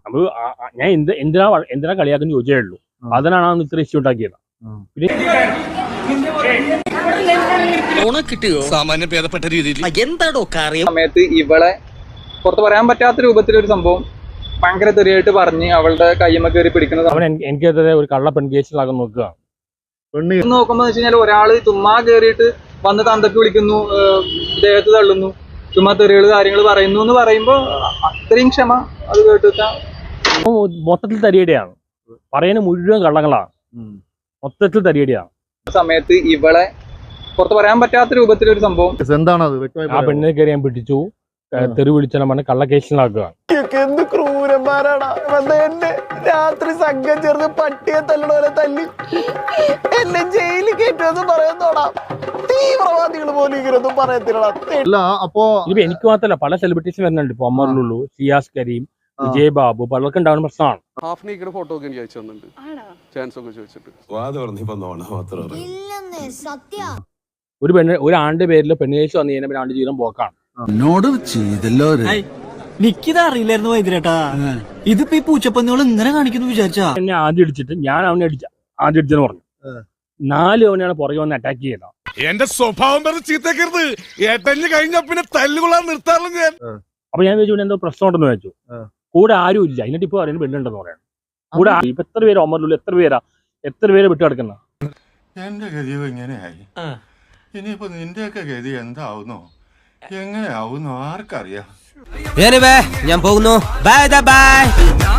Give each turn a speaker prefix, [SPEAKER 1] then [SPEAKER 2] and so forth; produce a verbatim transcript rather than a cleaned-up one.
[SPEAKER 1] നമ്മൾ ഞാൻ എന്ത് എന്തിനാ എന്തിനാ കളിയാക്കുന്നു ചോദിച്ചേ ഉള്ളൂ. അതിനാണ് ഇത്ര ഇഷ്യൂ ഉണ്ടാക്കിയത്.
[SPEAKER 2] സാമാന്യ ഭേദപ്പെട്ട രീതിയിൽ
[SPEAKER 3] എന്താണോ കാര്യം
[SPEAKER 4] സമയത്ത് ഇവളെ പുറത്ത് പറയാൻ പറ്റാത്ത രൂപത്തിലൊരു സംഭവം ഭയങ്കര തെറിയായിട്ട് പറഞ്ഞ് അവളുടെ കയ്യമ്മ കയറി പിടിക്കുന്നത്
[SPEAKER 1] അവൻ എനിക്കെതിരെ ഒരു കള്ള പെൺകേസിലാകാൻ നോക്കുക.
[SPEAKER 4] നോക്കുമ്പോ വെച്ച് കഴിഞ്ഞാൽ ഒരാള് ചുമ്മാ കയറിയിട്ട് വന്ന് തന്തക്ക് വിളിക്കുന്നു, ദേഹത്ത് തള്ളുന്നു, ചുമ്മാ തെറികൾ കാര്യങ്ങൾ പറയുന്നു എന്ന് പറയുമ്പോ അത്രയും ക്ഷമ അത് കേട്ടിട്ടാ
[SPEAKER 1] മൊത്തത്തിൽ തരിയടിയാണ്. പറയുന്ന മുഴുവൻ കള്ളങ്ങളാണ്. മൊത്തത്തിൽ തരിയടിയാണ്.
[SPEAKER 4] സമയത്ത് ഇവളെ പുറത്ത് പറയാൻ പറ്റാത്ത രൂപത്തിലൊരു സംഭവം
[SPEAKER 1] ആ പെണ്ണിനെ കയറി ഞാൻ പിടിച്ചു, തെറി വിളിച്ചാൽ പറഞ്ഞ കള്ള കേസിലാക്കുക.
[SPEAKER 3] എന്ത് ക്രൂരന്മാരാണ്. എന്നെ രാത്രി സംഘം ചേർന്ന് പട്ടിയെ തല്ലണോലെ തല്ലി എന്നെ ജയിലിൽ കയറ്റുമെന്ന് പറയുന്നോടാ. തീവ്രവാദികൾ പോലും ഇങ്ങനൊന്നും പറയത്തില്ല.
[SPEAKER 5] അപ്പോ
[SPEAKER 1] ഇപ്പൊ എനിക്ക് മാത്രമല്ല പല സെലിബ്രിറ്റീസും വരുന്നുണ്ട്. ഇപ്പൊ അമറുള്ളൂ, സിയാസ് കരീം, വിജയ് ബാബു, പലർക്കും ഉണ്ടാവുന്ന പ്രശ്നമാണ്.
[SPEAKER 6] ഹാഫ്നിയുടെ ഫോട്ടോ ഒക്കെ എനിക്ക് അയച്ചു തന്നിട്ടുണ്ട്, ചാൻസ് ഒക്കെ ചോദിച്ചിട്ട്.
[SPEAKER 1] ഒരു പെണ്ണ് ഒരു ആണ്ട് പേരിൽ പെണ്ണേഴ്സ് വന്നു കഴിഞ്ഞാൽ ആണ്ട് ജീവിതം പോക്കാണ്.
[SPEAKER 3] നിക്കിത് അറിയില്ലായിരുന്നു വൈദ്യരേട്ടാ. ഇതിപ്പോ ഈ പൂച്ചപ്പന്നികൾ ഇങ്ങനെ കാണിക്കുന്നു വിചാരിച്ചാ.
[SPEAKER 1] എന്നെ ആദ്യം അടിച്ചിട്ട് ഞാൻ അവനെ അടിച്ച ആദ്യം അടിച്ചെന്ന് പറഞ്ഞു. നാല് അവനെയാണ് പുറകെ വന്ന് അറ്റാക്ക് ചെയ്തത്.
[SPEAKER 2] എന്റെ സ്വഭാവം പറഞ്ഞ് ചീത്തക്കരുത്. ഏട്ടഞ്ഞ് കഴിഞ്ഞ പിന്നെ തല്ലുകൊള്ളാൻ നിർത്താറുള്ളൂ ഞാൻ.
[SPEAKER 1] അപ്പൊ ഞാൻ ചോദിച്ചു എന്തോ പ്രശ്നം ഉണ്ടെന്ന് ചോദിച്ചു. കൂടെ ആരും ഇല്ല. എന്നിട്ട് ഇപ്പൊ പറയുന്നത് പെണ്ണുണ്ടെന്ന് പറയണം. കൂടെ ഇപ്പൊ എത്ര പേര് ഒമറിലുള്ളൂ, എത്ര പേരാ എത്ര പേര് വിട്ടു കിടക്കുന്ന.
[SPEAKER 7] എന്റെ ഗതി എങ്ങനെയായി? ഇനിയിപ്പോ നിന്റെയൊക്കെ ഗതി എന്താവുന്നോ എങ്ങനെയാവുന്നോ ആർക്കറിയാം.
[SPEAKER 3] ഞാൻ പോകുന്നു. Bye by.